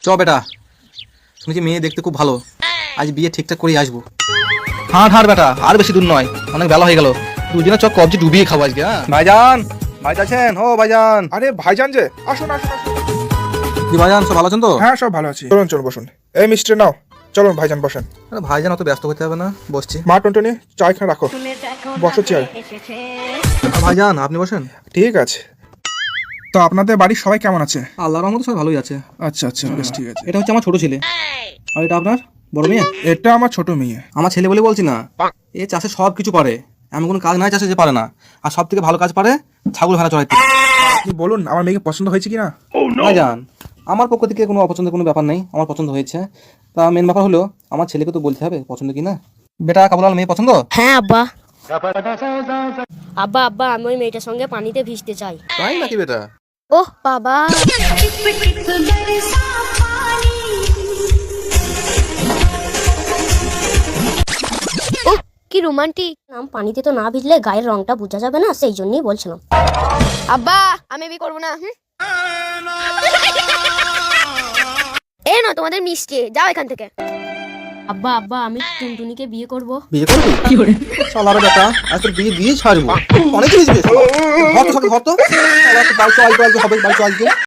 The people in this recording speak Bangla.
চ বেটা, শুনেছি মেয়ে দেখতে খুব ভালো, আজ বিয়ে ঠিকঠাক করেই আসবো। হাঁট হাঁট বেটা, আর বেশি দূর নয়, অনেক বেলা হয়ে গেল। দুজনে চ কবজি ডুবিয়ে খাবো আজকে। হ্যাঁ ভাইজান, ভাই আছেন? ও ভাইজান। আরে ভাইজান যে, আসুন আসুন আসুন। কি ভাইজান, সব ভালো আছেন তো? হ্যাঁ সব ভালো আছি। চলুন চলুন বসুন। এই মিষ্টি নাও, চলুন ভাইজান বসেন। আরে ভাইজান অত ব্যস্ত হতে হবে না, বসছি। মা টনটনি চা এখানে রাখো, বসো চেয়ারে। ভাইজান আপনি বসেন। ঠিক আছে। তো আপনাদের বাড়ির সবাই কেমন আছে? আল্লাহর রহমতে সবাই ভালোই আছে। আচ্ছা আচ্ছা বেশ ঠিক আছে। এটা হচ্ছে আমার ছোট ছেলে, আর এটা আপনার বড় মেয়ে। এটা আমার ছোট মেয়ে। আমার ছেলে বলে বলছি না, এ চাষে সব কিছু পারে, এমন কোনো কাজ নাই চাষে যে পারে না। আর সব থেকে ভালো কাজ পারে ছাগল ভেড়া চড়াইতে। আপনি বলুন আমার মেয়েকে পছন্দ হয়েছে কিনা? ভাইজান আমার পক্ষ থেকে কোনো অপছন্দের কোনো ব্যাপার নেই, আমার পছন্দ হয়েছে। তা মেন ব্যাপার হলো আমার ছেলেকে তো বলতে হবে পছন্দ কি না। বেটা কাবুলাল মেয়ে পছন্দ? হ্যাঁ আব্বা। আব্বা আব্বা আমি ওই মেয়েটার সঙ্গে পানিতে ভিজতে চাই। তাই নাকি বেটা? ওহ বাবা, ওহ কি রোমান্টিক নাম। পানিতে তো না ভিজলে গায়ের রংটা বোঝা যাবে না, সেই জন্যই বলছিলাম। আব্বা আমি বিয়ে করবো না। এ না তোমাদের মিষ্টি, যাও এখান থেকে। আব্বা আব্বা আমি টুনটুনিকে বিয়ে করব। বিয়ে করবি? কি করে শালার বেটা, আজ তোর বিয়ে দিয়ে ছাড়বো। অনেক কিছু হবে, বাড়ি চল আজকে।